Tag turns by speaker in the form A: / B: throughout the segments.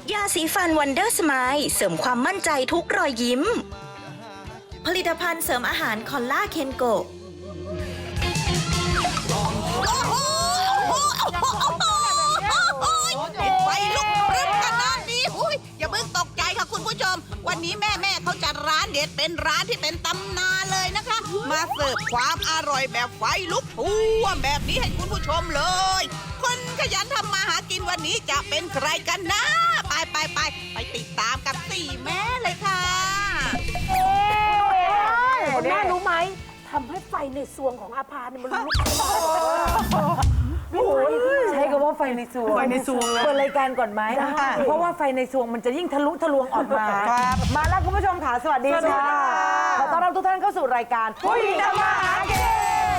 A: ยาสีฟันวันเดอร์สไมล์เสริมความมั่นใจทุกรอยยิ้ม ผลิตภัณฑ์เสริมอาหารคอลล่าเคนโก
B: ไฟลุกพรึบขนาดนี้อย่าเพิ่งตกใจค่ะคุณผู้ชม วันนี้แม่เขาจัดร้านเด็ดเป็นร้านที่เป็นตำนานเลยนะคะ มาเสิร์ฟความอร่อยแบบไฟลุกท่วมแบบนี้ให้คุณผู้ชมเลย คนขยันทำมาหากินวันนี้จะเป็นใครกันนะ ไปติดตามกับสี่แม่เลยค่ะ
C: คุณแม่รู้ไหมทำให้ไฟในซวงของอาภาเนี่ยมันลุกโอ้ยใช้คำว่าไฟในซวง
D: ไฟในซวง
C: เปิดรายการก่อนไหมเพราะว่าไฟในซวงมันจะยิ่งทะลุทะลวงออกมา มาแล้วคุณผู้ชมค่ะสวัสดีค่ะขอต้อนรับทุกท่านเข้าสู่รายการผู้หญิงทำมาหากิน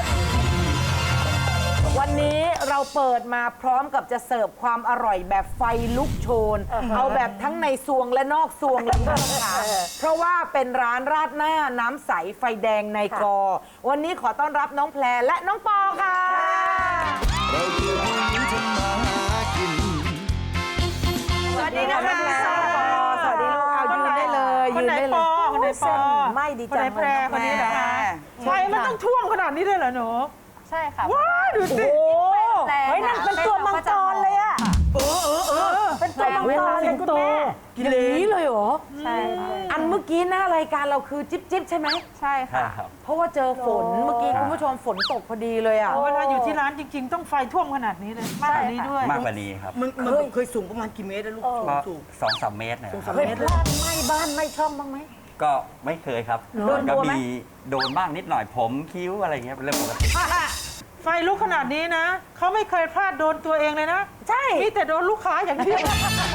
C: วันนี้เราเปิดมาพร้อมกับจะเสิร์ฟความอร่อยแบบไฟลุกโชน เอาแบบทั้งในซวงและนอกซวงเลยค่ะเพราะว่าเป็นร้านราดหน้าน้ำใสไฟแดงในกอ วันนี้ขอต้อนรับน้องแพรและน้องปอค่ะ
E: เราคือผู้หญิงทำมาหากิน
C: สวัสดีนะคะสวัสดีลูกเอายืนได้เลยยืนได้เลย
D: คนไหนปอ
C: ไม่ดี
D: คน
C: จั
D: ไหน
C: ง
D: แพรคนนี้เหรอคะ
C: ใช่
D: ไฟมันต้องท่วมขนาดนี้เลยเหรอหนู
F: ใช่ค่ะ
D: ว้าวดูสิ
C: โอ้เฮ้ยนั่นเป็นตัวมังกรเลยอะเป็นตัวมังกรเลยคุณแม่กินนี้เลยเหรอ
F: ใช่ค่ะ
C: อันเมื่อกี้หน้ารายการเราคือจิ๊บจิ๊บใช่ไหม
F: ใช่ค่ะ
C: เพราะว่าเจอฝนเมื่อกี้คุณผู้ชมฝนตกพอดีเลยอ่ะ
D: เวลาอยู่ที่ร้านจริงๆ ต้องไฟท่วมขนาดนี้เลยมากกว่านี้ด้วย
G: มากกว่านี้ครับ
H: มันเคยสูงประมาณกี่เมตรนะลูก
G: ก็
H: สูง
G: 2-3 เมตรนะครับ
C: เคยพลาดไหม้บ้านไหม้ช่องบ้างไหม
G: ก็ไม่เคยครับ
C: โดน
G: ก็
C: ตัวไหม
G: มีโดนบ้างนิดหน่อยผมคิ้วอะไรเงี้ยเป็นเรื่องปกติ
D: ไฟลุกขนาดนี้นะ เขาไม่เคยพลาดโดนตัวเองเลยนะ
C: ใช่
D: มีแต่โดนลูกค้าอย่างเดียว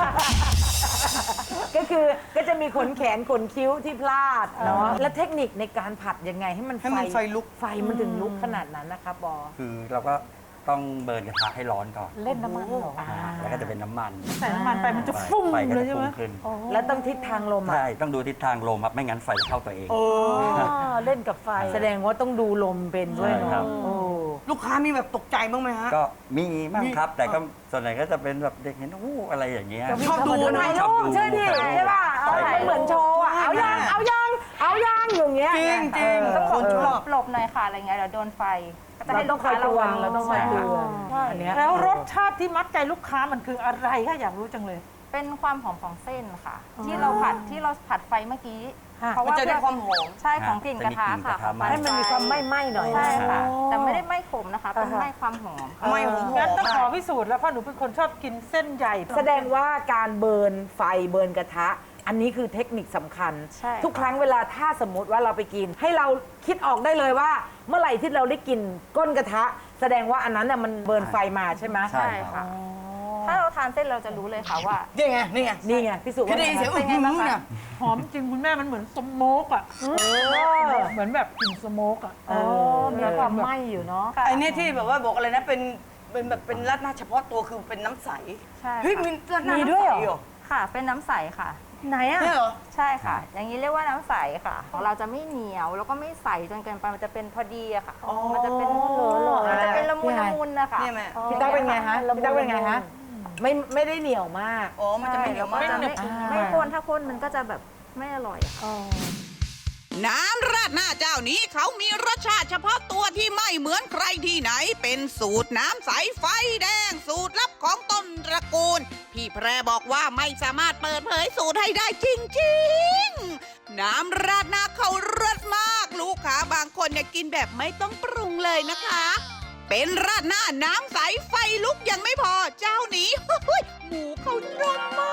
C: ก็คือก็จะมีขนแขนขนคิ้วที่พลาดเนาะแล้วเทคนิคในการผัดยังไงให้มัน
H: ให้มันไฟลุก
C: ไฟมันถึงลุกขนาดนั้นนะคะบอ
G: คือเราก็ต้องเบิร์นกระทะให้ร้อนก่อน
C: เล่นน้ำมันเหรอ
G: แล้วก็จะเป็นน้ำมัน
D: ใส่น้ำมันไปมันจะฟุ้ง
G: ไฟก็
D: เลย
G: จะ
D: ใช่ไหม
G: ฟุ้งขึ้น
C: แล้วต้องทิศทางลมอ่ะ
G: ใช่ต้องดูทิศทางลมครับไม่งั้นไฟจะเข้าตัวเอง
C: เล่นกับไฟ แสดงว่าต้องดูลมเป็นด้วย
G: ใช่ครั
C: เนาะ
G: บ
C: โอ้
H: ลูกค้ามีแบบตกใจบ้างไหมฮะ
G: ก็มีบ้างครับ แต่ก็ส่วนใหญ่ก็จะเป็นแบบเด็กเห็นอะไรอย่างเงี้ย
H: ชอบดูนะ
C: ถ่ายรูปใช่ดิใช่ป่ะมันเหมือนโชว์อ่ะเอายังอย่างเงี้ย
H: จริงจริง
F: ต้อง
H: คนชอบ
F: หลบหน่อยค่ะ อะไรเงี้ยเดี๋ยวโดนไฟ ก็จะให้
C: เราต้องคอยระวังเราต้องคอยเตือนอันเนี้ย
D: แล้วรสชาติที่มัดใจลูกค้ามันคืออะไรคะอยากรู้จังเลย
F: เป็นความหอมของเส้นค่ะ ที่เราผัดไฟเมื่อกี้ เพราะ
H: มัน
F: ว่า
H: จะได้ความหอม
F: ใช่ของกลิ่นกระทะค่ะ
G: จะมีกลิ่นกระทะ
C: ให้มันมีความไหม้ๆหน่อย
F: ใช่ค่ะ
C: อ๋อ
F: แต่ไม่ได้ไหม้ขมนะคะ เป็นไหม้ความหอมค่ะ
H: ไม่หอม
D: งั้นต้องขอพิสูจน์แล้วเพราะหนูเป็นคนชอบกินเส้นใหญ่
C: แสดงว่าการเบิร์นไฟเบิร์นกระทะ อันนี้คือเทคนิคสำคัญ
F: ใช่
C: ทุกครั้งเวลาถ้าสมมติว่าเราไปกิน ให้เราคิดออกได้เลยว่า เมื่อไหร่ที่เราได้กินก้นกระทะ แสดงว่าอันนั้นน่ะมันเบิร์นไฟมาใช่ไหม
G: ใช่
F: ใช่ค่ะ ถ้าเราทานเส้นเราจะรู้เลยค่ะว่า
H: นี่ไง นี่ไง
C: นี่ไงพิสูจน์
H: คือ
C: ว่า
H: ได้ยินเสียงอื้อหือเนี่ย
D: หอมจริงคุณแม่มันเหมือนสโมกอ่ะเหมือนแบบกลิ่นสโมกอ่ะ
C: มีความไหม้อยู่เนาะ
H: ไอ้เนี่ยที่แบบว่าบอกอะไรนะ เป็นแบบเป็นราดหน้าเฉพาะตัวคือเป็นน้ำใส
F: ใช่
H: เฮ้ย
F: ค่ะ
H: มีราดหน้า
C: มี
H: น้ำ
C: ด้วย
H: ใส
C: เหรอ
H: เหรอ
F: ค่ะ เป็นน้ำใสค่ะ
C: ไหนอ่ะ
H: เนี่ยเหรอ
F: ใช่ค่ะ อย่างนี้เรียกว่าน้ำใสค่ะ ของเราจะไม่เหนียวแล้วก็ไม่ใสจนเกินไป มันจะเป็นพอดีอะค่ะ มันจะเป็นมันจะเป็นละมุนละมุนนะคะ
H: เนี่ยแม่
C: พี่ตั๊กเป็นไงฮะพี่ตั๊กเป็นไงฮะไม่ได้เหนียวมาก
H: อ๋อ มันจะไม่เหนียวมาก
F: จะไม่ข้นถ้าข้นมันก็จะแบบไม่อร่อยอะค่ะ
B: น้ำราดหน้าเจ้านี้เขามีรสชาติเฉพาะตัวที่ไม่เหมือนใครที่ไหน เป็นสูตรน้ำใสไฟแดง สูตรลับของต้นตระกูล พี่แพรบอกว่าไม่สามารถเปิดเผยสูตรให้ได้จริงๆ น้ำราดหน้าเขารสมาก ลูกค้าบางคนเนี่ยกินแบบไม่ต้องปรุงเลยนะคะ เป็นราดหน้าน้ำใสไฟลุกยังไม่พอเจ้านี้ หมูเขานุ่มมาก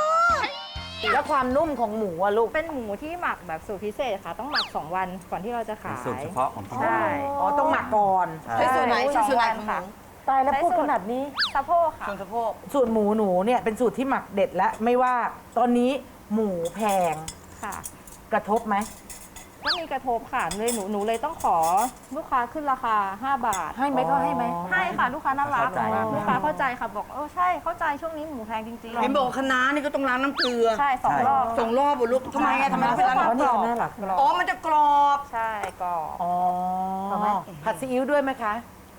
C: แล้วความนุ่มของหมูอะลูก
F: เป็นหมูที่หมักแบบสูตรพิเศษค่ะ ต้องหมัก 2 วันก่อนที่เราจะ
G: เป็น
F: ขาย
G: สูตรเฉพาะของที่
F: ใช่
G: ร้าน
C: อ๋อต้องหมักก่อน
G: ใช่
H: ใช้ส่วนไหนใช้ส่วนไหนของหมู
C: ตายแล้วพูดขนาดนี้
F: สะโพกค่ะ
H: ส่วนสะโพก
C: สูตรหมูหนูเนี่ยเป็นสูตรที่หมักเด็ดแล้วไม่ว่าตอนนี้หมูแพง
F: ค่ะ
C: กระทบไหม
F: ก็มีกระทบค่ะเลยหนูเลยต้องขอลูกค้าขึ้นราคา 5 บาท
C: ให้ไหมก็ให้ไหม
F: ให้ค่ะลูกค้าน่ารัก
G: เข้าใจ
F: ลูกค้าเข้าใจค่ะบอกใช่เข้าใจช่วงนี้หมูแพงจริงๆ
H: เห็นบอกคะน้านี่ก็ต้องล้างน้ำเกลือ
F: ใช่2 รอบ
H: ส่งรอบบุลูกทำไมอะทำไมต้องเป็นล้าง
C: อ๋อ
H: น้ำเก
C: นี่
H: ลือ
C: ก็น่ารัก
H: อ๋อ มันจะกรอบ
F: ใช่ก็
C: อ๋อผัดซีอิ๊วด้วยไหมคะ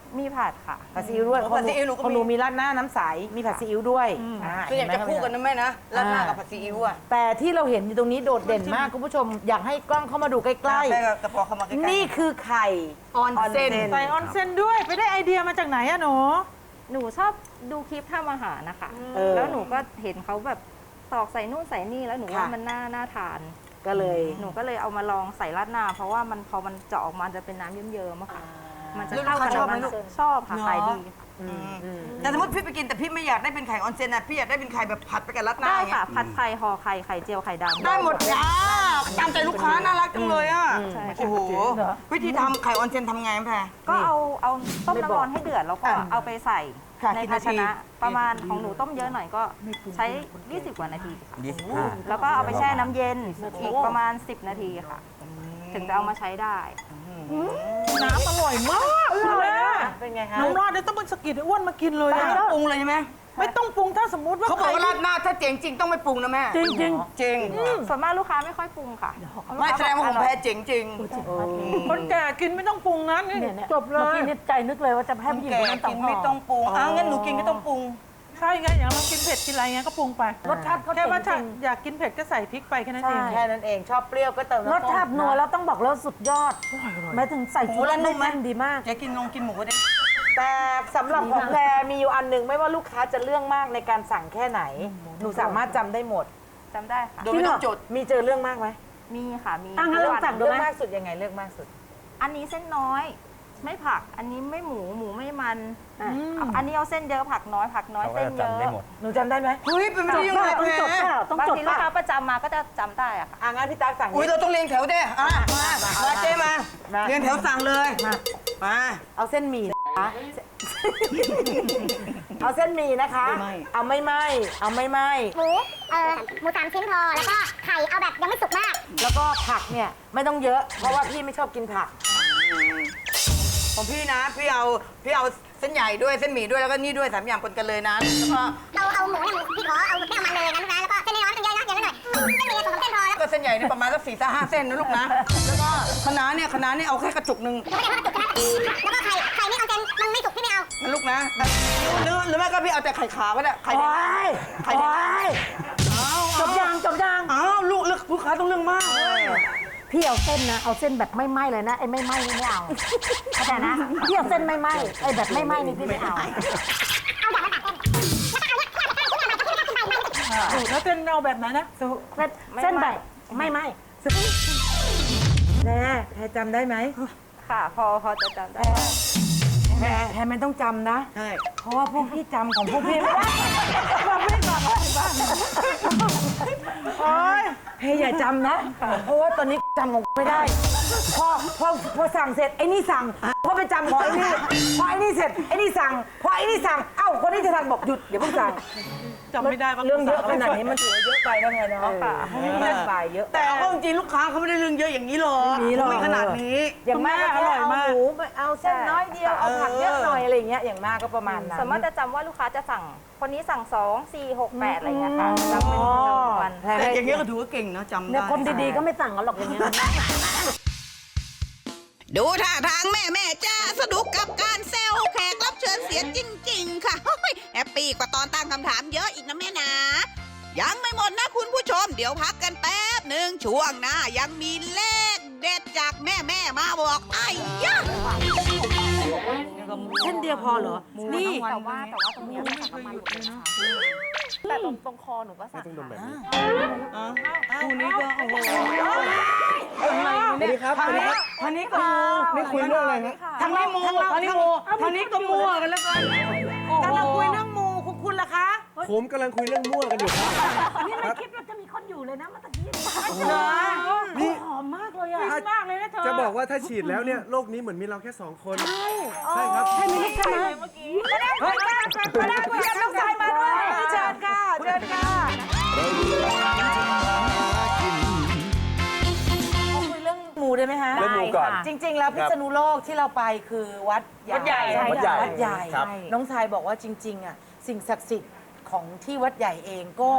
F: มีผัดค่ะ
C: ผัดซีอิ๊วด้วย
H: ผัดซีอิ๊วหนูก็มี
C: ของหนูมีราดหน้าน้ำใสมีผัดซีอิ๊วด้วยอ่า
H: คืออยากจะคู่กันนะแม่นะราดหน้ากับผัดซีอิ๊วอ่ะ
C: แต่ที่เราเห็นอยู่ตรงนี้โดดเด่นมากคุณผู้ชมอยากให้กล้องเข้ามาดูใกล้
H: แม่กับกระป๋อเข้ามาใกล้
C: ๆ
H: ๆ
C: นี่คือไข่
H: ออนเซน
D: ใส่ออนเซนด้วยไปได้ไอเดียมาจากไหนอะหนู
F: หนูชอบดูคลิปทำอาหารนะคะ
C: เออ
F: แล้วหนูก็เห็นเขาแบบตอกใส่นู่นใส่นี่แล้วหนูว่า
C: ค่ะ
F: มันน่าทาน
C: ก็เลย
F: หนูก็เลยเอามาลองใส่ราดหน้า เพราะว่ามันพอมันเจาะออกมาจะเป็นน้ำเยิ้มๆอะค่ะ มันจะเข้ากับ
H: ลูกค้าชอบไหม
F: น้ำ
H: ลูก
F: ชอบค่ะขายดี
H: แต่สมมติพี่ไปกินแต่พี่ไม่อยากได้เป็นไข่ออนเซนนะพี่อยากได้เป็นไข่แบบผัดไปกับราดหน้า
F: ได้
H: อย่างเงี้
F: ค่ะ
H: ย
F: ผัดไข่ห่อไข่ไข่เจียวไข่ดำ
H: ได้หมดจ้าตามใจลูกค้าน่ารักจังเลยอ่ะ
F: ใช่
H: โอ้โหวิธีทำไข่ออนเซนทำไงแพร
F: ก็เอาต้มน้ำร้อนให้เดือดแล้วก็เอาไปใส่
H: ค่ะ
F: ใน
H: กี่
F: ภา
H: นา
F: ช
H: ที
F: นะประมาณของหนูต้มเยอะหน่อยก็ใช้ 20 กว่านาทีค่ะ
G: 25
F: แล้วก็เอาไปแช่น้ำเย็นอีกประมาณ 10 นาทีค่ะ ถึงจะเอามาใช้ได้
D: น้ำอร่อยมากเลยอะ
C: เป็นไงคะ
D: น้องรอดเนี่ยต้องเป็นสกิดไอ้อ้วนมากินเลย
H: ไม่
D: อะ
H: ต้องปรุงเลยใช่ไหม
D: ไม่ต้องปรุงถ้าสมมติว่า
H: เขาบอกว่าราดหน้าถ้าเจ๋งจริงต้องไม่ปรุงนะแม่
D: จริงจริง
H: จริง
F: ส่วนมากลูกค้าไม่ค่อยปรุงค่ะ
H: ไม่แสดงว่าของแพรเจ๋งจริง
D: ๆคนแก่กินไม่ต้องปรุงนะนี่จบเลย
C: นี่ใจนึกเลยว่าจะให้ผู้หญิง
H: แก
C: คนนั้น
H: กินไม่ต้องปรุงงั้นหนูกินก็ต้องปรุง
D: ใช่ไงอย่างเรากินเผ็ดกินอะไรเงี้ยก็ปรุงไป
C: รสชาติเขา
D: แค่ว่า
C: จริง
D: อยากกินเผ็ดก็ใส่พริกไปแค่นั้นเอง
C: แค่นั้นเองชอบเปรี้ยวก็เติม
I: รสชาตินัวแล้วต้องบอกแล้วสุดยอดหมายถึงใส่
H: หมู
I: ชุด
H: แล้วนุ่มไหม
I: แน่นดีมาก
H: แกกินกินหมูก็ได้
C: แต่สำหรับของแพรมีอยู่อันหนึ่งไม่ว่าลูกค้าจะเรื่องมากในการสั่งแค่ไหน หนูสามารถจำได้หมด
F: จำได้ค่ะ
H: โดยไม่ต้องจด
C: มีเจอเรื่องมากไหม
F: มีค่ะ มี
I: อ่ะงั้นลองสั่งดู
C: เรื่อง
I: ไหม
C: มากสุดยังไงเรื่องมากสุด
F: อันนี้เส้นน้อย ไม่ผัก อันนี้ไม่หมูไม่มันอันนี้เอาเส้นเยอะผักน้อย
G: เขาก็
F: เส้น
G: จะ
F: เยอะ
G: จำได้หมด
C: หนูจำได้ไหม
H: เฮ้ยเป็นไปได้ยังไง
I: ต้องจด
H: แพร
I: เปล่าต้อง
F: บาง
I: จด
F: ที
I: เป
F: ลูก
I: ล่า
F: ค้าประจำมาก็จะจำได้อะค่ะ
C: งั้นพี่ตั๊กสั่ง
H: อุ้ยเราต้องเรียงแถวเด้มาเจ๊มาเรียงแถวสั่งเลยมา
C: เอาเส้นหมี่นะคะเอาเส้นหมี่นะคะ เอาไม่ไหมเอาไม่ไหม
J: หมูหมู3 ชิ้นพอ แล้วก็ไข่เอาแบบยังไม่สุกมาก
C: แล้วก็ผักเนี่ยไม่ต้องเยอะ เพราะว่าพี่ไม่ชอบกินผัก
H: ของพี่นะพี่เอาเส้นใหญ่ด้วยเส้นหมี่ด้วยแล้วก็นี่ด้วย3 อย่างปนกันเลยนะแล้วก็
J: เอาหมูเนี่ยพี่ขอเอาไม่เอามันเลยนะลูกนะแล้วก็เส้นน้อยๆต้องเยอะนะเยอะหน่อยเส้นหมี่2 เส้นพอแล้ว
H: ก็เส้นใหญ่เนี่ยประมาณสัก4-5 เส้นนะลูกนะแล้วก็คะน้าเนี่ยเอาแค่กระจุกหนึ่ง
J: ไม่ได้ว่าจุกนะแล้วก็ไข่นี่เอาเส้นมันไม่สุกพี่ไม่เอา
H: นะลูกนะหรือไม่ก็พี่เอาแต่ไข่ขาวก็ได้ไข่แดงไข่แดง
I: จบยัง
H: อ้าวลูกค้าต้องเรื่องมาก
I: พี่เอาเส้นนะเอาเส้นแบบไม่ไหม้เลยนะไอ้ไม่ไหม้นี่ไม่เอาเข้าใจนะพี่เอาเส้นไม่ไหม้ไอ้แบบไม่ไหม้นี่พี่ไม่เอา
D: แล้วเป็นเอาแบบไหนนะ
I: เส้นแบบไม่ไหม้
C: แพรจำได้ไหม
F: ค่ะพอจะจำได้
C: แพรไม่ต้องจำนะ
H: ใช่
C: เพราะว่าพวกพี่จำของพวกพี่ไม่ได้โอ๊ยแพรอย่าจำนะ เพราะว่าตอนนี้จำของไม่ได้ พอสั่งเสร็จไอ้นี่สั่งพอไปจำของไอ้นี่พอไอ้นี่เสร็จไอ้นี่สั่งพอไอ้นี่สั่งเอ้าคนนี้จะสั่งบอกหยุดอย่าเพิ่งสั่ง
D: จำไม่ได้ว่า
C: เรื่องเยอะขนาดนี้มันถือว่าเยอะไปนะแพรเนาะเรื่องไปเยอะ
H: แต่เอาเข้าจริงๆลูกค้าเขาไม่ได้เรื่องเยอะอย่างนี้หรอกไม่ขนาดนี้
C: อย่างมากก็แค่เอาหมูเอาเส้นน้อยเดียวเอาผักเยอะหน่อยอะไรอย่างเงี้ยอย่างมากก็ประมาณนั้น
F: ส่วนมากจะจำว่าลูกค้าจะสั่ง คนนี้สั่ง 2 4 6 8 อะไรเงี้ยค่ะจำเป็นจำนวนวัน
H: แต่อย่างเงี้ยก็ถือว่าเก่งนะจำ
I: เนี่ย
H: ได้
I: คนดีๆก็ไม่สั่งกันหรอกอย่างเงี้ย
B: ดูท่าทางแม่จ้าสนุกกับการเซลแขกรับเชิญเสียจริง ๆ ค่ะแฮปปี้กว่าตอนตั้งคำถามเยอะอีกนะแม่นะ ยังไม่หมดนะคุณผู้ชม เดี๋ยวพักกันแป๊บหนึ่งช่วงหน้ายังมีเลขเด็ดจากแม่มาบอกไอ้ยะ
I: เส้นเดียวพอเหรอ นี่
F: แต่ว่าตรงเนี้ยค่ะประมาณหลุดเลยนะคะแต่ตรงคอหนูก็สั่งค่ะ
H: คู่นี้ก็โอ้โห
E: สวัสดีครับ
H: ทางนี้ก็มู
E: นี่คุยเรื่องอะไรฮะ
H: ทางนี้มูทางนี้มูทางนี้ก็มัวกันแล้วกัน
C: กำลังคุยเรื่องมูคุณล่ะคะ
E: ผมกำลังคุยเรื่องมั่วกันอยู่ครับ
I: นี่ไม่คิดว่าจะมีคนอยู่เลยนะเมื่อกี้
C: เหรอ
E: นี่
I: หอมมากเลยอ่ะ
D: มากเลยนะเธอ
E: จะบอกว่าถ้าฉีดแล้วเนี่ยโลกนี้เหมือนมีเราแค่ 2 คน ใช่ครับ
I: แค่นี้ใช่ไหม
C: มาได้คุยกับน้องชายมาด้วยเชิญค่ะเชิญค่ะ
E: เราคือร้านทำมาหากิน
C: คุยเรื่องมูได้ไหมฮะ
E: เรื่องมูก่อน
C: จริง ๆ แล้วพิษณุโลกที่เราไปคือวัดใหญ่
E: วัดใหญ่
C: วัดใหญ่
E: ครับ
C: น้องชายบอกว่าจริงๆอ่ะสิ่งศักดิ์สิทธิ์ของที่วัดใหญ่เองก็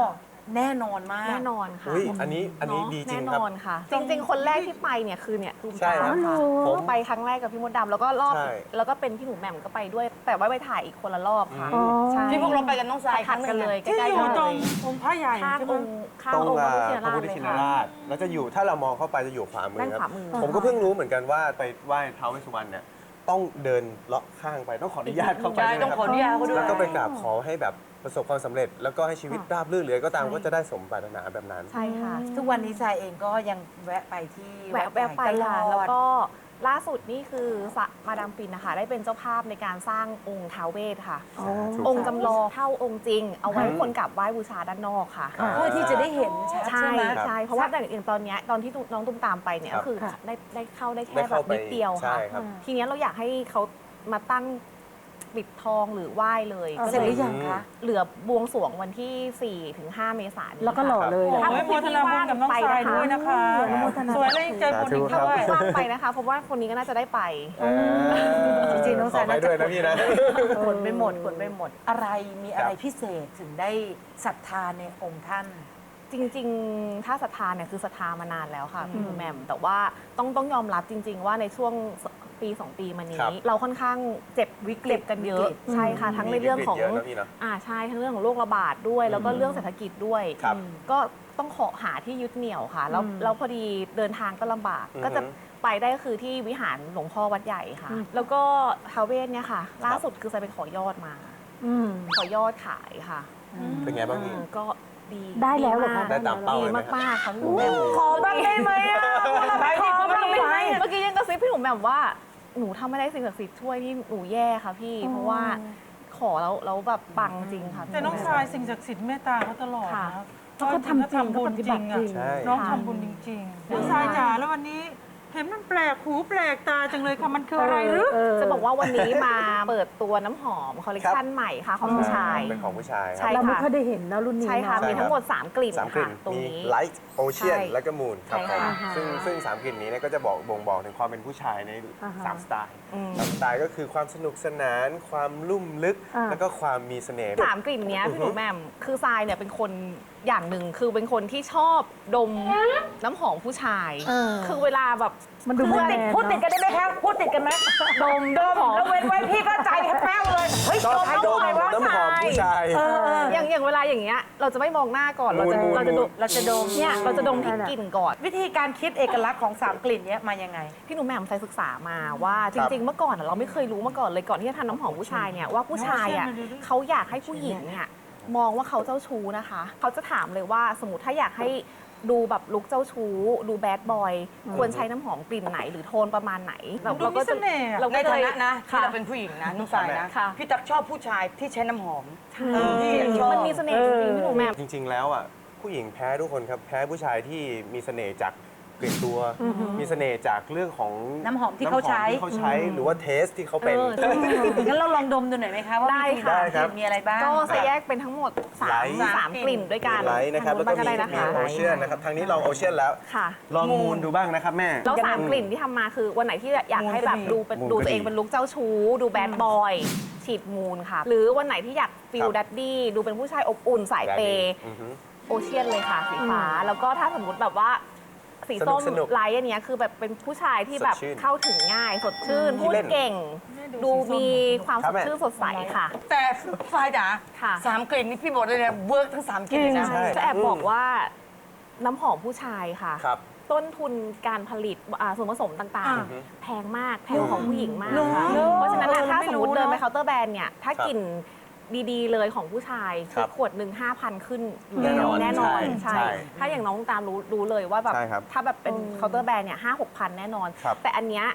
C: แน่นอนมาก
K: แน่นอนค่ะ
L: อุ้ยอันนี้ดีจริงครับ
K: แน่นอนค่ะ จริง ๆ คนแรกที่ไปเนี่ยคือเนี่ยตูม
L: ใช่
K: ตาม
L: ครับ
K: ค่ะ
L: ผม
K: ไปครั้งแรกกับพี่มดดำแล้วก็รอบ
L: ใช่
K: แล้วก็เป็นพี่หนูแหม่มก็ไปด้วย แต่ว่าไปถ่ายอีกคนละรอบค่ะ
H: อ๋อ
K: ใช่
H: ที่พวกเราไปกันน้องทรายค
K: ถั
H: รั้
K: ด
H: งห
K: กัน
H: นึ่ง
K: เลยใก
D: ที่
K: ล้
D: อ
K: ๆ
D: ยู่
K: กัน
D: ตร
K: เล
D: ง
K: ย
D: องค์พระใหญ่
K: ข้าง
D: ใช่ไหม
K: องค์ข้าง
L: ตรง
K: องค์พระพุทธชิน
L: พระ
K: ราช
L: พุทธ
K: เลย
L: ชิน
K: ค่ะ
L: ราชแล้วจะอยู่ถ้าเรามองเข้าไปจะอยู่ขวามือ
K: ด้าน
L: ค
K: ข
L: รั
K: วา
L: บ
K: มือ
L: ผมก็เพิ่งรู้เหมือนกันว่าไปไหว้ท้าวเวสสุวรรณเนี่ยต้องเดินเลาะข้างไปต้องขออนุญาตเข้าไป
H: ใช่
L: ด้วย
H: ต้อง
L: นะ
H: ขออนุญาตเขาด้วย
L: แล้วก็ไปกราบขอให้แบบประสบความสำเร็จ แล้วก็ให้ชีวิตราบรื่นเลยก็ตามก็จะได้สมปรารถนาแบบนั้น
K: ใช่ค่ะ
C: ทุกวันนี้ทรายเองก็ยังแวะไปที่
K: แวะ
C: วัดใหญ่
K: ไป
C: ตล
K: ค่ะ
C: อด
K: แล้วก็ล่าสุดนี่คือมาดามปินนะคะได้เป็นเจ้าภาพในการสร้างองค์ท้าวเวสค่ะ องค์จำลองเท่าองค์จริง เอาไว้ให้คนกราบไหว้บูชาด้านนอกค่ะ
C: เพื่อที่จะได้เห็นชัด
K: ใช่
C: ใช่ไหม
K: ใช่เพราะว่าแต่อย่างตอนเนี้ยตอนที่น้องตุ้มตามไปเนี่ย
L: ครับ
K: ก็คือได้เข้าได้
L: ได้
K: แค่แบ
L: เข้า
K: บ
L: ไป
K: นิดเดียว
L: ใช่
K: ค่ะ
L: ครับ
K: ทีเนี้ยเราอยากให้เขามาตั้งปิดทองหรือไหว้เลย
C: เสร็จหรือยังคะ
K: เหลือบวงสรวงวันที่ 4 ถึง 5 เมษายนนี้
I: แล้วก็หล่อเลย
D: โอ้
I: แหละ
D: ยโมทนาบุญกับน้องทรายด้วยนะคะ สวยและยังใจบุญอีก
K: ถ้า
D: ด้วย
K: ว่างไปนะคะเพราะว่าคนนี้ก็น่าจะได้ไป
C: จริงๆน้อง
L: ขอ
C: สาย
L: ไป
C: น่า
L: ด้
C: จะ
L: วยนะพี่นะ
C: ขนไปหมดขนไปหมด อะไรมีอะไร
L: ครับ
C: พิเศษถึงได้ศรัทธาในองค์ท่าน
K: จริงๆ ถ้าศรัทธาเนี่ยคือศรัทธามานานแล้วค่ะพี่หนูแหม่มแต่ว่าต้องยอมรับจริง ๆ ว่าในช่วงปี 2 ปีมา
L: ครั
K: นี้
L: บ
K: เราค่อนข้างเจ็บวิกฤตกันเยอะใช่ค่ะ ทั้งในเรื่องของ
L: มีวิกฤตเยอะนะพี่เนอะ
K: ใช่ทั้งเรื่องของโรคระบาดด้วย แล้วก็เรื่องเศรษฐกิจด้วย
L: ครับ
K: ก็ต้องขอหาที่ยึดเหนี่ยวค่ะแล้วพอดีเดินทางก็ลำบาก ก็จะไปได้ก็คือที่วิหารหลวงพ่อวัดใหญ่ค่ะ แล้วก็ท้าวเวสเนี่ยค่ะ ล่าสุดคือจะไปขอยอดมา ขอยอดขายค่ะ
L: เป็นไงบ้างพี่
K: ก็ดี
I: ได้แล้วเหรอคะ
K: มก
L: ได้ตามเป้าเลยไหม
K: ดีมากๆค่ะพี่หนูแหม่ม
C: ขอบ้างได้ไหมอ่ะ
D: ไปดิ
C: ขอบ้างได้ไหม
K: เมื่อกี้ยังกระซิบพี่หนูแหม่มว่าหนูทำไม่ได้สิ่งศักดิ์สิทธิ์ช่วยนี่หนูแย่ค่ะพี่ เพราะว่าขอแล้วแบบปังจริงค่ะพี่
D: แต่น้องทรายสิ่งศักดิ์สิทธิ์เมตตาเขาตลอด
K: ค่ะ
D: นะ
I: เขาก็ทำจริง
D: บุญจริง
I: เขาปฏิบัติจริ
D: อ่ะ
I: ง
L: ใช่
D: น้องทำบุญจริงๆน้องทรายจ๋าแล้ววันนี้เห็นมันแปลกหูแปลกตาจังเลยค่ะมันคืออะไรหรือ
K: จะบอกว่าวันนี้มาเปิดตัวน้ำหอมคอลเลคชันใหม่ค่ะของผู้ชาย
L: เป็นของผู้ชายค
K: ใช่
L: รับ
I: เราไม่ค่อยได้เห็นนะรุ่นนี้
K: ใช่ค่ะ
I: เนอะ
K: มีทั้งหมด 3 กลิ่น
L: สามกลิ่
K: ค่ะ
L: น
K: ตรง
L: มี
K: นี้
L: ไลท์โอเชียน
K: ใช่
L: และก็มูนครับ
K: ใช่
L: ผม
K: ค่ะ
L: ซึ่งสามกลิ่นนี้เนี่ยก็จะบ่งบอกถึงความเป็นผู้ชายใน
I: อ่าฮะ
L: 3 สไตล์
K: อืม
L: สามสไตล์ก็คือความสนุกสนาน ความลุ่มลึก
I: อ่า
L: แล้วก็ความมีเสน่ห์
K: สามกลิ่นเนี้ยพี่หนูแหม่มคือทรายเนี่ยเป็นคนอย่างหนึ่งคือเป็นคนที่ชอบดมน้ำหอมผู้ชาย คือเวลาแบบ
I: มันดู
C: พูด
I: แม
C: ติด
I: น
C: พูดติด
I: เนอะ
C: กันได้ไหมคะพูดติดกันไหม
K: ดม
C: ดม
K: หอม
C: แล้วเว้นไว้พี่ก็ใจแป้วเลยเฮ้ย
L: ชอบ
C: ดม
L: ดม
C: น้ำหอม
L: น้ำหอมผู้ชาย
K: อย่างเวลาอย่างเงี้ยเราจะไม่มองหน้าก่อนเราจะ
L: มูน
K: เราจะดม
C: เราจะดม
K: เนี่ยเราจะดมที่กลิ่นก่อน
C: วิธีการคิดเอกลักษณ์ของสามกลิ่นเนี้ยมายังไง
K: พี่หนูแหม่มใส่ศึกษามาว่าจริง ๆ เมื่อก่อนอะเราไม่เคยรู้มาก่อนเลยก่อนที่จะทำน้ำหอมผู้ชายเนี่ยว่าผู้ชายอ่ะเขาอยากให้ผู้หญิงเนี่ยมองว่าเขาเจ้าชู้นะคะเขาจะถามเลยว่าสมมติถ้าอยากให้ดูแบบลุคเจ้าชู้ ดูแบดบอยควรใช้น้ำหอมกลิ่นไหนหรือโทนประมาณไหน
D: ดูมีเสน่ห์อะ
K: เรา
H: ใน
K: ก็เล
H: ฐาย นะนะที่
K: ค่ะ
H: เราเป็นผู้หญิงนะน้องทรายนะ
K: ค่ะ
H: พี่ตักชอบผู้ชายที่ใช้น้ำหอม
K: พี่มันมีเสน่ห์จริงๆพี่หนูแหม่ม
L: จริง ๆ แล้วอ่ะผู้หญิงแพ้ทุกคนครับ แพ้ผู้ชายที่มีเสน่ห์จากกลิ่นตัว มีเสน่ห์จากเรื่องของ
C: น้ำหอมที่เขาใช้
L: น้ำหอมที่เขาใช้หรือว่าเทสที่เขาเป็น
C: งั้นเราลองดมดูหน่อยไหมคะว่า
K: ได้
C: มี
K: ค่ะ
L: ได้ครับ
C: มีอะไรบ้าง
K: ก็จะแยกเป็นทั้งหมด
L: ไลท์
K: สามกลิ่นด้วยกัน
L: ไลท์นะครับแล้วก็
K: ทาง
L: มี
K: ได้นะคะ
L: โอเชียนนะครับทางนี้ลองโอเชียนแล้ว
K: ค่ะ
L: ลองมูนดูบ้างนะครับแม่
K: แล้วสามกลิ่นที่ทำมาคือวันไหนที่อยากให้แบบดูเป็น
L: มูน
K: ดู
L: ก็
K: ตัวเอง
L: ดี
K: เป็นลุคเจ้าชู้ ดูแบดบอยฉีดมูนค่ะ หรือวันไหนที่อยากฟิ
L: ค
K: ล
L: รับ
K: ดัดดี้ดูเป็นผู้ชายอบอุ่นสายเปย์
L: อือฮึ
K: โอเชียนเลยค่ะสีฟ้า แล้วก็ถ้าสมมติแบบว่าสีส้ม
L: สนุก
K: ไลท์อันเนี้ยคือแบบเป็นผู้ชายที่แบบ
L: สดชื่น
K: เข้าถึงง่ายสดชื่น
L: ขี้
K: พูด
L: เล่น
K: เก่ง ดูมีความ
L: ครั
K: ส
L: บ
K: ด
L: แม่
K: ชื่นสดใสค่ะ
H: แต่ทรายจ๋า
K: ค่ะ
H: สามกลิ่นนี่พี่บอกเลยนะเวิร์กทั้งสามกลิ่นเลยนะ
L: ใช่
K: จะแอบบอกว่าน้ำหอมผู้ชายค่ะ
L: ครับ
K: ต้นทุนการผลิตส่วนผสมต่างๆ แพงมากแพงของผู้หญิงมากค่ะ
C: เหรอ
K: เพราะฉะนั้นน่ะถ้า
C: ไม่
K: สม
C: รู้
K: มติเดินไป
C: เนอะ
K: เคาน์เตอร์แบรนด์เนี่ยถ้า
L: ครับ
K: กลิ่นดีๆเลยของผู้ชาย
L: ครับ
K: ขวดหนึ่ง5,000 ขึ้นอยู่
L: แน่นอน
K: แน่นอน
L: ใช่
K: ใช่
L: ใช่
K: ถ้าอย่างน้องตามรู้เลยว่าแบบ
L: ใช่ครับ
K: ถ้าแบบเป็นเคาน์เตอร์แบรนด์เนี่ย5-6,000 แน่นอน
L: ครับ
K: แต่อันเนี้ย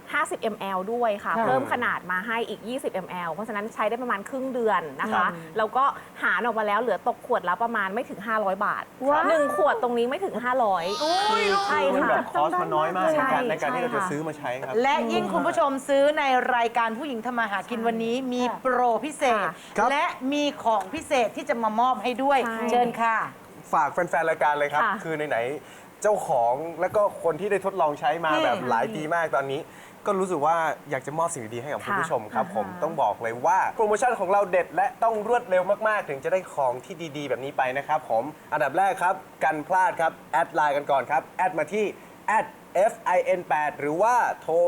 K: 50 ml ด้วยค่ะ
C: ค่ะ
K: เพิ่มขนาดมาให้อีก 20 ml เพราะฉะนั้นใช้ได้ประมาณครึ่งเดือนนะคะ แล้วก็หารออกมาแล้วเหลือตกขวดแล้วประมาณไม่ถึง 500 บาท
I: ว้าว
K: หนึ่งขวดตรงนี้ไม่ถึง 500ใช่
L: คือ
K: ค่ะ
L: แบบคอสมันน้อยมาก
K: ใช่
L: ในการที่เราจะ
K: ใช่ค่ะ
L: ซื้อมาใช้ครับ
C: และยิ่งคุณผู้ชมซื้อในรายการผู้หญิงทำมาหากินวันนี้มีโปรพิเศษ
L: ครับ
C: และมีของพิเศษที่จะมามอบให้ด้วย
K: ใช่
C: เชิญค่ะ
L: ฝากแฟนๆ รายการเลยครับ
K: ค่ะ
L: คือไหนๆเจ้าของและก็คนที่ได้ทดลองใช้มาแบบหลายปีมากตอนนี้ก็รู้สึกว่าอยากจะมอบสิ่งดีๆให้กับคุณ
K: ค่ะ
L: ผู้ชมครับผมต้องบอกเลยว่าโปรโมชั่นของเราเด็ดและต้องรวดเร็วมากๆ ถึงจะได้ของที่ดีๆ แบบนี้ไปนะครับผมอันดับแรกครับกันพลาดครับแอดไลน์กันก่อนครับแอดมาที่ @fin8 หรือว่าโทร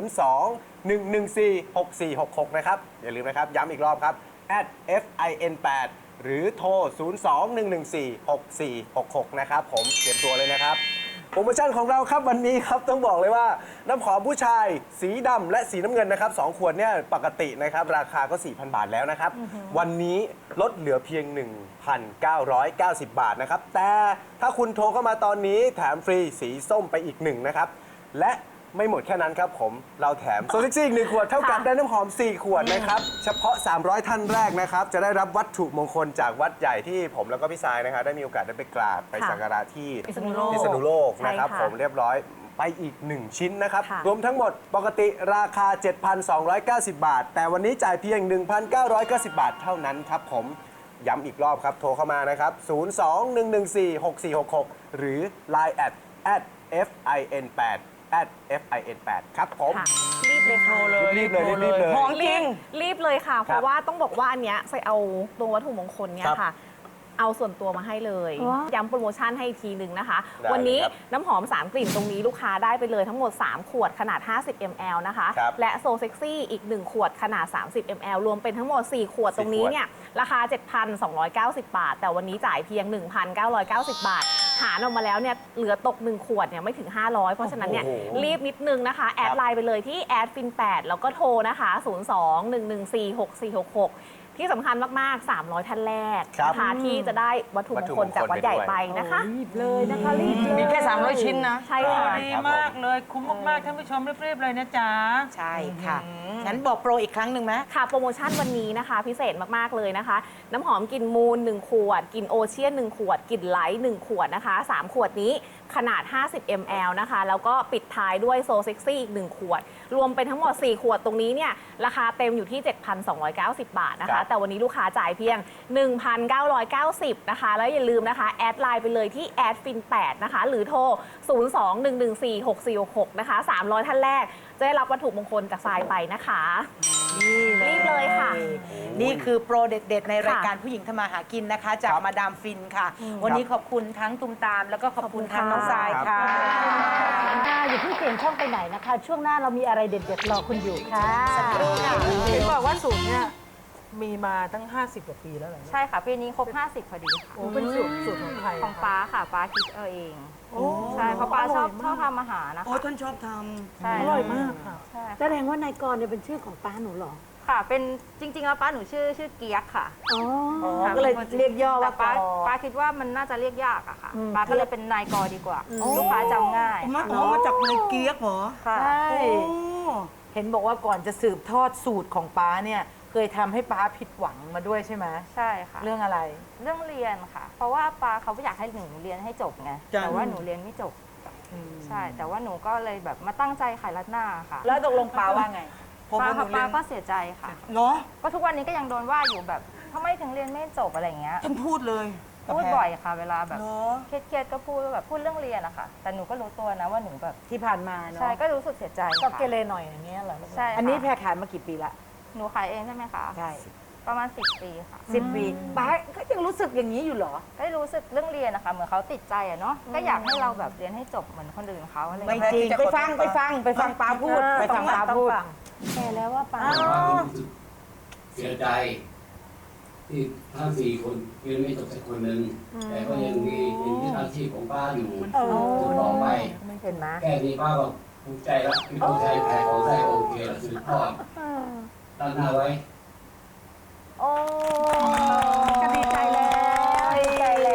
L: 02-114-6466 นะครับอย่าลืมนะครับย้ำอีกรอบครับ @fin8 หรือโทร 02-114-6466 นะครับผมเตรียมตัวเลยนะครับโปรโมชั่นของเราครับวันนี้ครับต้องบอกเลยว่าน้ำหอมผู้ชายสีดำและสีน้ำเงินนะครับ2ขวดเนี่ยปกตินะครับราคาก็ 4,000 บาทแล้วนะครับวันนี้ลดเหลือเพียง 1,990 บาทนะครับแต่ถ้าคุณโทรเข้ามาตอนนี้แถมฟรีสีส้มไปอีก1นะครับและไม่หมดแค่นั้นครับผมเราแถมโซเซ็กซี่อีก1ขวดเท่ากับได้น้ำหอม4ขวดนะครับเฉพาะ300ท่านแรกนะครับจะได้รับวัตถุมงคลจากวัดใหญ่ที่ผมแล้วก็พี่สายนะครับได้มีโอกาสได้ไปกราบไปสักการะที่พิษณุโลกนะครับผมเรียบร้อยไปอีก1ชิ้นนะครับรวมทั้งหมดปกติราคา 7,290 บาทแต่วันนี้จ่ายเพียง 1,990 บาทเท่านั้นครับผมย้ำอีกรอบครับโทรเข้ามานะครับ02-114-6466 หรือ Line @fin8 @fin8 ครับผม
K: รีบเลยค่ะ
L: รีบเลย
C: ของจริง
K: รีบเลยค่ะ เพราะว่าต้องบอกว่าอันเนี้ยใส่เอาตัววัตถุมงคลเนี้ยค่ะ เอาส่วนตัวมาให้เลย ย้ำโปรโมชั่นให้อีกทีหนึ่งนะคะ
L: ได้
K: วันนี้
L: ครับ
K: น้ำหอม 3 กลิ่นตรงนี้ลูกค้าได้ไปเลยทั้งหมด 3 ขวดขนาด 50 ml นะคะ
L: ครับ
K: และโซเซ็กซี่อีก 1 ขวดขนาด 30 ml รวมเป็นทั้งหมด 4 ขวดตรงนี้เนี่ยราคา 7,290 บาท แต่วันนี้จ่ายเพียง 1,990 บาท หารออกมาแล้วเนี่ยเหลือตก 1 ขวดเนี่ยไม่ถึง 500 เพราะฉะนั้นเนี่ยรีบนิดนึงนะคะ แอดไลน์ไปเลยที่แอดฟิน8แล้วก็โทรนะคะ 02-114-6466 ที่สำคัญมาก ๆ 300 ท่านแรกนะคะที่จะได้วัตถุมงคลจากวัดใหญ่ไปนะคะ
I: รีบเลยนะคะรีบเลย
C: มีแค่300 ชิ้นนะ
K: ใช่ค่ะ
D: ดีมากเลย คุ้มมากๆท่านผู้ชมรีบๆเลยนะจ๊ะ
C: ใช่ค่ะงั้นบอกโปรอีกครั้งหนึ่งไหม
K: ค่ะโปรโมชั่นวันนี้นะคะพิเศษมาก ๆ เลยนะคะ น้ำหอมกลิ่นมูล 1 ขวดกลิ่นโอเชียน 1 ขวดกลิ่นไลท์ 1 ขวดนะคะ3 ขวดนี้ขนาด 50 ml นะคะแล้วก็ปิดท้ายด้วยโซเซ็กซี่อีก 1 ขวด รวมเป็นทั้งหมด 4 ขวดตรงนี้เนี่ยราคาเต็มอยู่ที่ 7,290 บาทนะคะแต่วันนี้ลูกค้าจ่ายเพียง 1,990 นะคะแล้วอย่าลืมนะคะแอดไลน์ไปเลยที่แอดฟิน8นะคะหรือโทร 02-114-6466 นะคะ300 ท่านแรกจะได้รับวัตถุมงคลจากทรายไปนะคะรีบเลยค่ะ
C: นี่คือโปรเด็ด ๆ ในรายการผู้หญิงทำมาหากินนะคะ จากมาดามฟินค่ะ วันนี้ขอบคุณทั้งตุมตาม แล้วก็ขอบคุณทั้งน้องทรายค่ะ
I: อย่าเพิ่งเปลี่ยนช่องไปไหนนะคะ ช่วงหน้าเรามีอะไรเด็ดๆรอคุณอยู่ค่ะ
D: เห็นบอกว่าสูตรเนี่ยมีมาตั้ง 50 กว่าปีแล้วเหรอ
F: ใช่ค่ะ ปีนี้ครบ 50 พอดีค่ะ
D: โอ้เป็นสูตรของใคร
F: ของป้าค่ะป้าคิดเอาเอง ใช่เพราะป้าชอบทำอาหารนะคะ
H: โอ้ท่านชอบท
F: ใช่
D: อร่อยมากค่ะ
F: ใช่
I: แสดงว่านายกรเนี่ยเป็นชื่อของป้าหนูเหรอ
F: ค่ะ เป็นจริงๆแล้วป้าหนูชื่อเกียกค่ะ
I: อ๋อ
F: ค่ะ
C: ก็เลยเรียกย่อว่า
F: แต่ป้าก
C: อ
F: ป้าคิดว่ามันน่าจะเรียกยากอะค่ะ
I: อืม
F: ป้าก็เลยเป็นนายกอดีกว่า ลูกค้าจำง่าย
H: ำมาจากในเกี๊ยกเหรอ
F: ค่ะ
C: ใช่
H: โอ้
C: เห็นบอกว่าก่อนจะสืบทอดสูตรของป้าเนี่ยเคยทำให้ป้าผิดหวังมาด้วยใช่ไหม
F: ใช่ค่ะ
C: เรื่องอะไร
F: เรื่องเรียนค่ะ เพราะว่าป้าเขาอยากให้หนูเรียนให้จบไง
H: จ้ะ
F: แต่ว่าหนูเรียนไม่จบ ใช่ แต่ว่าหนูก็เลยแบบมาตั้งใจขายรัดหน้าค่ะ
C: แล้วตกลงป้าว่าไง
F: ป้าค่ะป้าก็เสียใจค่ะ
H: เนาะ
F: ก็ทุกวันนี้ก็ยังโดนว่าอยู่แบบทำไมถึงเรียนไม่จบอะไรอย่างเงี้ย
H: ท่านพูดเลย
F: พูดบ่อยค่ะ เวลาแบบ
H: เนาะ
F: เครียดๆก็พูดแบบพูดเรื่องเรียนอะค่ะ แต่หนูก็รู้ตัวนะว่าหนูแบบ
C: ที่ผ่านมาเนาะ
F: ใช่ก็รู้สึกเสียใจ
I: ก็
F: ค่ะ
I: เกเรหน่อยอย่างเงี้ยเหรอ
F: ใช่ค่ะ
C: อันนี้แพรขายมากี่ปีละ
F: หนูขายเองใช่ไหมคะ
C: ใช่
F: ประมาณ10 ปีค่ะ
C: 10 ปีป้าก็ยังรู้สึกอย่างนี้อยู่เหรอ
F: ก็รู้สึกเรื่องเรียนนะคะเหมือนเขาติดใจอะเนาะก็อยากให้เราแบบเรียนให้จบเหมือนคนอื่นเขาอะไรอย่าง
C: ไม่
F: เงี้ย
C: จริงไปฟังป้าพูดไปฟังป้าพูด
I: แกแล้วว่าป้า
M: เสียใจที่ทั้ง4 คนเรียนไม่จบสักคนหนึ่งแต่ก็ยังมีอาชีพของป้าอยู่ต่อไป
I: เห็นไหม
M: แค่นี้ป้าก็ภูมิใจแล้วที่ภูมิใจขายของได้โอเคแล้วสืบทอดตั้งหน้าไว้
F: โอ้
I: ก็ดีใจแล้วดีใจแล้ว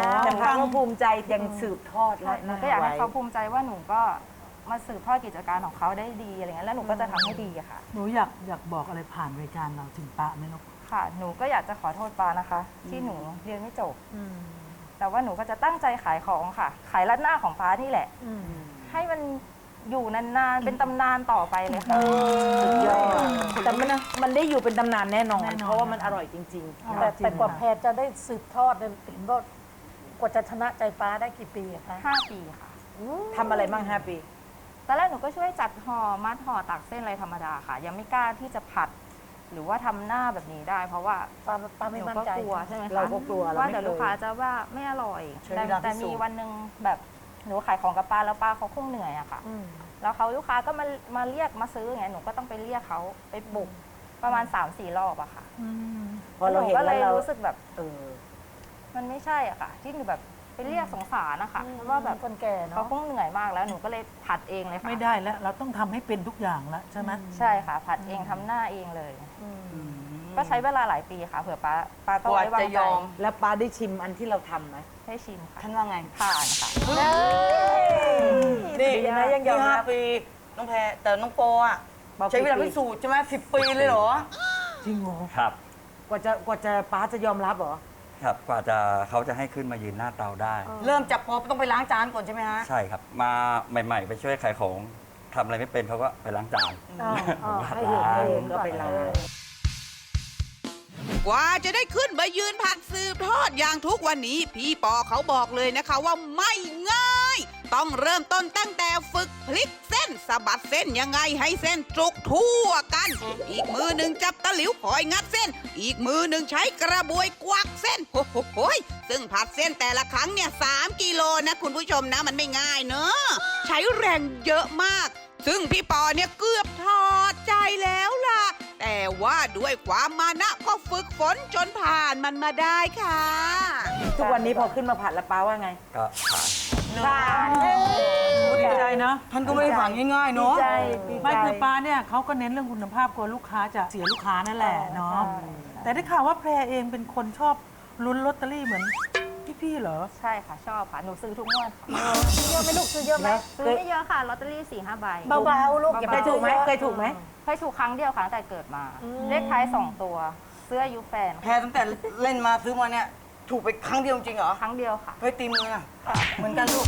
C: แต่ป้าก็ภูมิใจยังสืบทอด
F: ใช่หนูก็อยากให้เขาภูมิใจว่าหนูก็มาสืบทอดกิจการของเขาได้ดีอะไรเงี้ยแล้วหนูก็จะทำให้ดีอะค่ะ
D: หนูอยากบอกอะไรผ่านรายการเราถึงป้าไหมลูก
F: ค่ะ หนูก็อยากจะขอโทษป้านะคะ ที่หนูเรียนไม่จบแต่ว่าหนูก็จะตั้งใจขายของค่ะ ขายรัดหน้าของป้านี่แหละให้มันอยู่นานๆเป็นตำนานต่อไปเลยค่ะ
C: สุดยอดแต่มันได้อยู่เป็นตำนานแน่นอน เพราะว่ามันอร่อยจริงๆ
I: แต่กว่าแพรจะได้สืบทอดเนี่ยเห็นว่ากว่าจะชนะใจป้าได้กี่ปีอะคะ
F: 5 ปีค่ะ
C: ทำอะไรบ้าง5 ปี
F: ตอนแรกหนูก็ช่วยจัดห่อมัดห่อตักเส้นอะไรธรรมดาค่ะ ยังไม่กล้าที่จะผัด หรือว่าทำหน้าแบบนี้ได้ เพราะว่า
I: ป้าไม่
F: หนู
I: มั่น
F: ก็
I: ใจ
F: กลัวใช่ไหมคะ
C: เราก็กลัวเรา
F: ว่า
C: ไม่
F: เดี๋ยว
C: เค
F: ลูกค้าย จะว่าไม่อร่อย
C: ใช้เวลา
F: แต่
C: พิสูจน์
F: มีวันหนึ่งแบบหนูขายของกับป้าแล้วป้าเขาคงเหนื่อยอะค่ะ แล้วเขาลูกค้าก็มาเรียกมาซื้ออย่างเงี้ยหนูก็ต้องไปเรียกเขาไปปลุกประมาณ 3-4 รอบอะค่ะ
C: พอเราเห็น
F: ก็เล
C: แล้ว
F: ย
C: เรา
F: รู้สึกแบบมันไม่ใช่อะค่ะ ที่หนูแบบไปเรียกสงสารนะคะว่าแบบ
I: คนแก่เนาะ
F: เขาคงเหนื่อยมากแล้วหนูก็เลยผัดเองเลยค่ะ
D: ไม่ได้แล้ว เราต้องทำให้เป็นทุกอย่างแล้วใช่ไหม
F: ใช่ค่ะ ผัดเองทำหน้าเองเลย ก็ใช้เวลาหลายปีค่ะเผื่อป้าต้อง
H: กว่า
F: ไว้วาง
H: จะ
F: ใจ
H: ยอม
C: แล้วป้าได้ชิมอันที่เราทำไหม
F: ให้ชิมค่ะ
H: ท่านว่าไง
F: ผ่านค่ะ
H: นี่
C: ดีนะยังยอมรับ
H: 5 ปี น้องแพรแต่น้องโปอ่ะ ใช้เวลาพิสูจน์ใช่ไหม10 ปีเลยเหรอ
C: จริงเหรอ
G: ครับ
C: กว่าจะป้าจะยอมรับเหรอ
G: ครับกว่าจะเขาจะให้ขึ้นมายืนหน้าเตาได้
H: เริ่มจากพอต้องไปล้างจานก่อนใช่ไหมฮะ
G: ใช่ครับ มาใหม่ๆ ไปช่วยขายของทำอะไรไม่เป็นเขาก็ไปล้างจาน
C: ให้เห็นให้เห็นก็ไปล้าง
B: กว่าจะได้ขึ้นมายืนผัดสืบทอดอย่างทุกวันนี้ พี่ปอเขาบอกเลยนะคะว่าไม่ง่าย ต้องเริ่มต้นตั้งแต่ฝึกพลิกเส้นสะบัดเส้นยังไงให้เส้นจุกทั่วกัน อีกมือหนึ่งจับตะหลิวคอยงัดเส้น อีกมือหนึ่งใช้กระบวยกวักเส้นโอ้โหซึ่งผัดเส้นแต่ละครั้งเนี่ย3 กิโลนะคุณผู้ชมนะมันไม่ง่ายเนอะใช้แรงเยอะมาก ซึ่งพี่ปอเนี่ยเกือบถอดใจแล้วล่ะ แต่ว่าด้วยความมานะก็ฝึกฝนจนผ่านมันมาได้ค่ะ
C: ทุกวันนี้พอขึ้นมาผัดแล้วป้าว่าไง
G: ก็ผ่าน
D: ดีใจเนาะ
H: ท่านก็ไม่ได้ผ่านง่ายๆ
C: ดี
H: เนาะ
C: ใจดีใจ
D: ไม่คือป้าเนี่ยเขาก็เน้นเรื่องคุณภาพกลัวลูกค้าจะเสียลูกค้านั่นแหละเนาะแต่ได้ข่าวว่าแพรเองเป็นคนชอบลุ้นลอตเตอรี่เหมือนพี่ๆเหรอ
F: ใช่ค่ะชอบค่ะหนูซื้อทุกงวดค่ะ
I: เยอะไหมลูกซื้อเยอะไหม
F: ซื้อไม่เยอะค่ะลอตเตอรี่ 4-5 ใบ
I: เบาๆลูกอย่า
C: เค
I: ไป
C: ยถูกไหมเคยถูกไหม
F: เคยถูกครั้งเดียวค่ะตั้งแต่เกิดมา เลขท้าย 2 ตัวเสื้ออายุแฟน
H: แพรตั้งแต่เล่นมาซื้อมาเนี่ย ถูกไปครั้งเดียวจริงเหรอ
F: ครั้งเดียวค่ะ
H: เคยตีมืออ่ะเหมือนกันลูก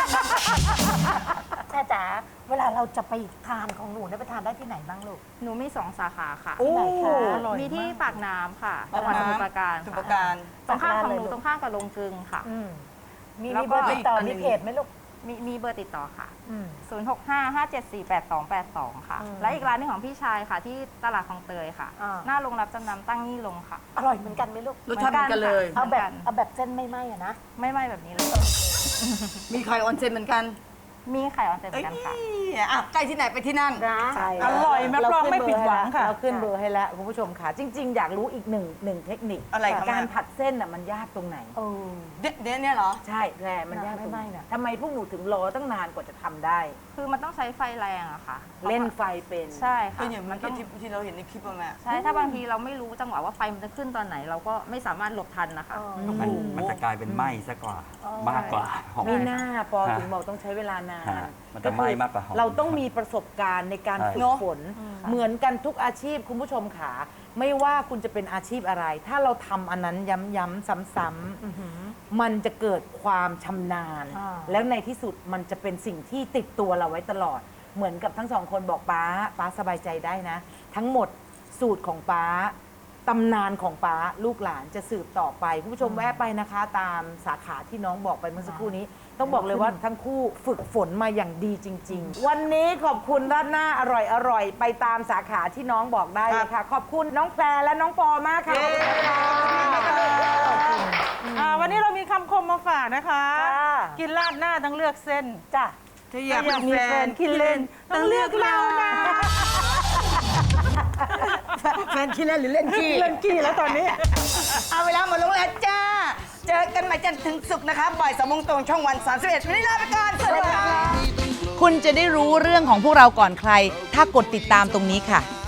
I: แม่จ๋าเวลาเราจะไปทานของหนูเนี่ยไปทานได้ที่ไหนบ้างลูก
F: หนูมี 2 สาขาค่ะ
H: โอ้
D: อร่อย
F: มีที่
D: มาก
F: ปากน้ำค่ะจังหวัดสมุทรปราการ
H: สมุทรป
F: ค่ะ
H: ราการ
F: ตรงข้ามของหนู
I: เลยลูก
F: ตรงข้ามกับโรงกลึงค่ะ
I: มี
F: แล้ว
I: มี
F: ก็
I: เบอร์ติดต่อ
H: อีกอันหนึ่
I: มี
H: ง
I: เพจไหมลูก
F: มีเบอร์ติดต่อค่ะ
I: อืม
F: 065-574-8282 ค่ะ และอีกร้านหนึงของพี่ชายค่ะ ที่ตลาดคลองเตยค่ะ หน้าโรงรับจำนำตั้งนี่ลงค่ะ
I: อร่อยเหมือนกันไหมลูก
H: รสชาติเหมือนกันเลย
F: เอาแบบ
I: เอาแบบเส้นไม่ไหม้อะนะ
F: ไม่ไหม้แบบนี้เลย
H: มีไข่ออนเซ็นเหมือนกัน
F: มีไข่ออนเซ็นเหมื
H: เอ้
F: อย นกันค่ะ
H: อ่ะใกล้ที่ไหนไปที่นั่น
C: ใช่
D: อร่อยรับรองไม่ผิดหวังค่ะ
C: เราขึ้นเบอร์ให้แล้วคุณผู้ชมค่ะ จริง ๆ อยากรู้อีกหนึ่งเทคนิค
H: อะไรครับ
C: การผัดเส้นน่ะมันยากตรงไหน
H: เนี่ยเหรอ
C: ใช่แหละมันยากตรงไหนทำไมพวกหนูถึงรอตั้งนานกว่าจะทำได้
F: คือมันต้องใช้ไฟแรงอะค่ะ
C: เล่นไฟเป็น
F: ใช่
H: ก็
F: ค่ะ
H: อย่างเมื่อกี้ที่เราเห็นในคลิปอะแม่
F: ใช่ ถ้าบางทีเราไม่รู้จังหวะว่าไฟมันจะขึ้นตอนไหน เราก็ไม่สามารถหลบทันนะคะ
G: มันจะกลายเป็นไหม้ซะกว่ามากกว่าหอม
C: นี่หน้าปอถึงบอกต้องใช้เวลานาน
G: ฮะมันจะไหม้มากกว่าหอม
C: เราต้องมีประสบการณ์ในการ
G: ใช่
C: ฝึกฝน เหมือนกันทุกอาชีพคุณผู้ชมขาไม่ว่าคุณจะเป็นอาชีพอะไร ถ้าเราทำอันนั้นย้ำๆซ้ำๆมันจะเกิดความชำนาญ แล้วในที่สุดมันจะเป็นสิ่งที่ติดตัวเราไว้ตลอด เหมือนกับทั้งสองคนบอกป้าสบายใจได้นะ ทั้งหมดสูตรของป้าตำนานของป้าลูกหลานจะสืบต่อไปคุณผู้ชมแวะไปนะคะ ตามสาขาที่น้องบอกไปเมื่อสักครู่นี้ ต้องบอกเลยว่าทั้งคู่ฝึกฝนมาอย่างดีจริง ๆ วันนี้ขอบคุณราดหน้าอร่อยไปตามสาขาที่น้องบอกได้เลยค่ะ ขอบคุณน้องแพรและน้องปอมากค่ะ
D: วันนี้เรามีคำคมมาฝากนะคะ
C: จ้า
D: กินราดหน้าต้องเลือกเส้น
C: จ้ะ
H: ถ้าอยาก
D: อยาก
H: มี
D: มี
H: แฟ
D: แฟ
H: น
D: นคิดเล่นต้องเลือกเรานะ
H: แฟนขี้เล่นหรือเล่นขี้
D: เล่นกี้แล้วตอนนี้
H: เอาเวลาหมดลงแล้วจ้า เจอกันใหม่จันทร์ถึงศุกร์นะคะบ่าย3 โมงตรงช่องวัน 31วันนี้ลาไปก่อนสวัสดีค่ะ
B: คุณจะได้รู้เรื่องของพวกเราก่อนใคร ถ้ากดติดตามตรงนี้ค่ะ